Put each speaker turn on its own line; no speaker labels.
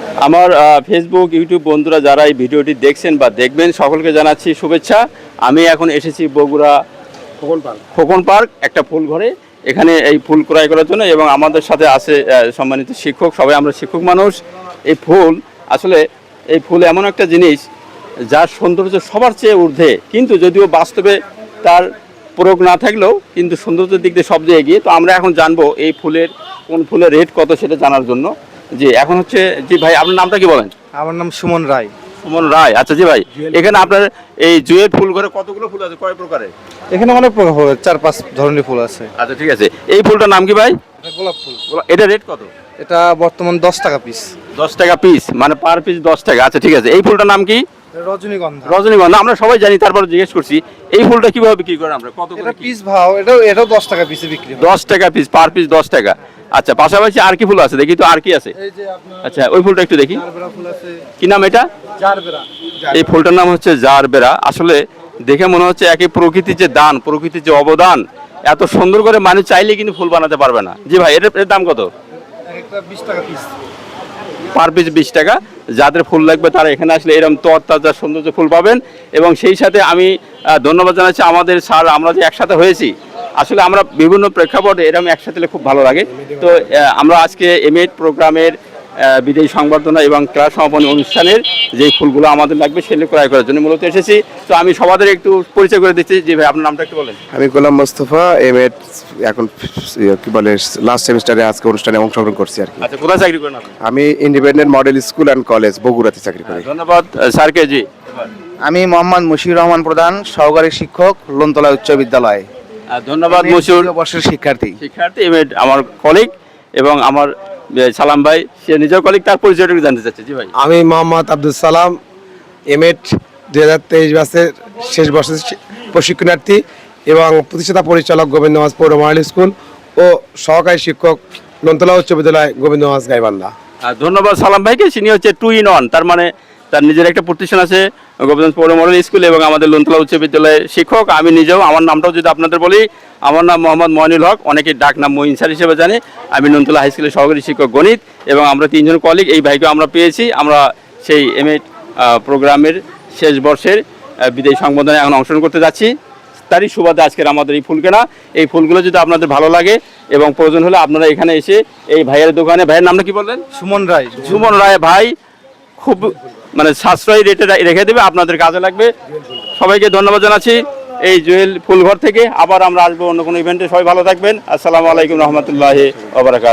আমার Facebook YouTube বন্ধুরা যারা এই ভিডিওটি দেখছেন বা দেখবেন সকলকে জানাচ্ছি শুভেচ্ছা। আমি এখন এসেছি বগুড়া খোকন পার্ক একটা ফুল ঘরে, এখানে এই ফুল ক্রয় করার জন্য, এবং আমাদের সাথে আছে সম্মানিত শিক্ষক, সবাই আমরা শিক্ষক মানুষ। এই ফুল আসলে এই ফুল এমন একটা জিনিস যার সৌন্দর্য সবার চেয়ে ঊর্ধ্বে, কিন্তু যদিও বাস্তবে তার প্রয়োগ না থাকলেও কিন্তু সৌন্দর্যের দিক দিয়ে সবচেয়ে এগিয়ে। তো আমরা এখন জানবো এই ফুলের কোন ফুলের রেট কত সেটা জানার জন্য। জি এখন হচ্ছে, জি ভাই আপনার নামটা কি বলেন?
আমার নাম সুমন রায়।
সুমন রায়, আচ্ছা। জি ভাই, এখানে আপনার এই জুয়েল ফুল ঘরে কতগুলো ফুল আছে, কয় প্রকারের?
এখানে অনেক প্রকার ফুল, 4-5 ধরনের ফুল আছে।
আচ্ছা ঠিক আছে, এই ফুলটার নাম কি ভাই?
গোলাপ ফুল।
এটা রেট কত?
এটা বর্তমান 10 টাকা পিস।
10 টাকা পিস, মানে পার পিস 10 টাকা। আচ্ছা ঠিক আছে, এই ফুলটার নাম কি?
রজনীগন্ধা।
রজনীগন্ধা, আমরা সবাই জানি, তারপরে জিজ্ঞেস করছি এই ফুলটা কিভাবে বিক্রি করেন আমরা, কত
এটা
করে
পিস ভাও, এটাও 10 টাকা পিসে বিক্রি হয়।
10 টাকা পিস, পার পিস 10 টাকা। আচ্ছা, পাশাপাশি আর কি ফুল আছে দেখি তো, আর কি আছে?
এই যে আপনার
আচ্ছা ওই ফুলটা একটু দেখি,
জারবেরা ফুল আছে।
কি নাম এটা?
জারবেরা।
এই ফুলটার নাম হচ্ছে জারবেরা। আসলে দেখে মনে হচ্ছে একই প্রকৃতির যে দান, প্রকৃতির যে অবদান, এত সুন্দর করে মানুষ চাইলে কিন্তু ফুল বানাতে পারবে না। জি ভাই, এর দাম কত?
একটা 20 টাকা পিস।
পার পিস 20 টাকা। যাদের ফুল লাগবে তারা এখানে আসলে এরকম তরতাজা সৌন্দর্য ফুল পাবেন। এবং সেই সাথে আমি ধন্যবাদ জানাচ্ছি আমাদের স্যার, আমরা যে একসাথে হয়েছি, আসলে আমরা বিভিন্ন প্রেক্ষাপটে এরকম একসাথে হলে খুব ভালো লাগে। তো আমরা আজকে এমএড প্রোগ্রামের বিদায়ী সংবর্ধনা এবং ক্লাস সমাপনী অনুষ্ঠানের যে ফুলগুলো আমাদের লাগবে সেগুলো ক্রয় করার জন্য মূলত এসেছি। তো আমি সবাদের একটু পরিচয় করে দিচ্ছি। জি ভাই, আপনার নামটা একটু বলেন।
আমি গোলাম মোস্তফা, এমএড এখন কি বলে লাস্ট সেমিস্টারে আজকে অনুষ্ঠানে অংশগ্রহণ করছি আর কি।
আচ্ছা, কোথায় চাকরি করেন আপনি?
আমি independent model school and college বগুড়াতে চাকরি করি।
ধন্যবাদ স্যারকে। জি
আমি মোহাম্মদ মুশিউর রহমান প্রধান, সহকারী শিক্ষক, লোনতলা উচ্চ বিদ্যালয়।
ধন্যবাদ মশিউর,
বর্ষের শিক্ষার্থী।
এমএড আমার কলিগ, এবং আমার সালাম ভাই, সে নিজের কলিগ, তার পরিচয়টা জানতে চাচ্ছে। জি ভাই।
আমি মোহাম্মদ আব্দুল সালাম, এমএড 2023 ব্যাচের শেষ বর্ষের প্রশিক্ষণার্থী এবং প্রতিষ্ঠাতা পরিচালক গোবিন্দগঞ্জ পৌর মডেল স্কুল ও সহকারী শিক্ষক লোনতলা উচ্চ বিদ্যালয় গোবিন্দগঞ্জ গাইবান্ধা।
ধন্যবাদ সালাম ভাইকে। তিনি হচ্ছে 2 in 1, তার মানে তার নিজের একটা প্রতিষ্ঠান আছে গোবিন্দগঞ্জ পৌর মডেল স্কুল এবং আমাদের লোনতলা উচ্চ বিদ্যালয়ের শিক্ষক। আমি নিজেও, আমার নামটাও যদি আপনাদের বলি, আমার নাম মোহাম্মদ মইনুল হক, অনেকে ডাক নাম মঈন স্যার হিসেবে জানে। আমি লোনতলা হাই স্কুলের সহকারী শিক্ষক গণিত, এবং আমরা 3 জন কলিগ। এই ভাইকে আমরা পেয়েছি, আমরা সেই এমএড প্রোগ্রামের শেষ বর্ষের বিদায়ী সংবর্ধনায় এখন অংশগ্রহণ করতে যাচ্ছি। তারই সুবাদে আজকের আমাদের এই ফুল কেনা। এই ফুলগুলো যদি আপনাদের ভালো লাগে এবং প্রয়োজন হলে আপনারা এখানে এসে এই ভাইয়ের দোকানে, ভাইয়ের নামটা কি বললেন?
সুমন রায়।
সুমন রায় ভাই খুব মানে সাশ্রয়ী রেটে রেখে দেবে, আপনাদের কাজে লাগবে। সবাইকে ধন্যবাদ জানাচ্ছি এই জুয়েল ফুলঘর থেকে। আবার আমরা আসবো অন্য কোনো ইভেন্টে। সবাই ভালো থাকবেন। আসসালামু আলাইকুম রহমতুল্লাহি ওয়া বারাকাতুহু।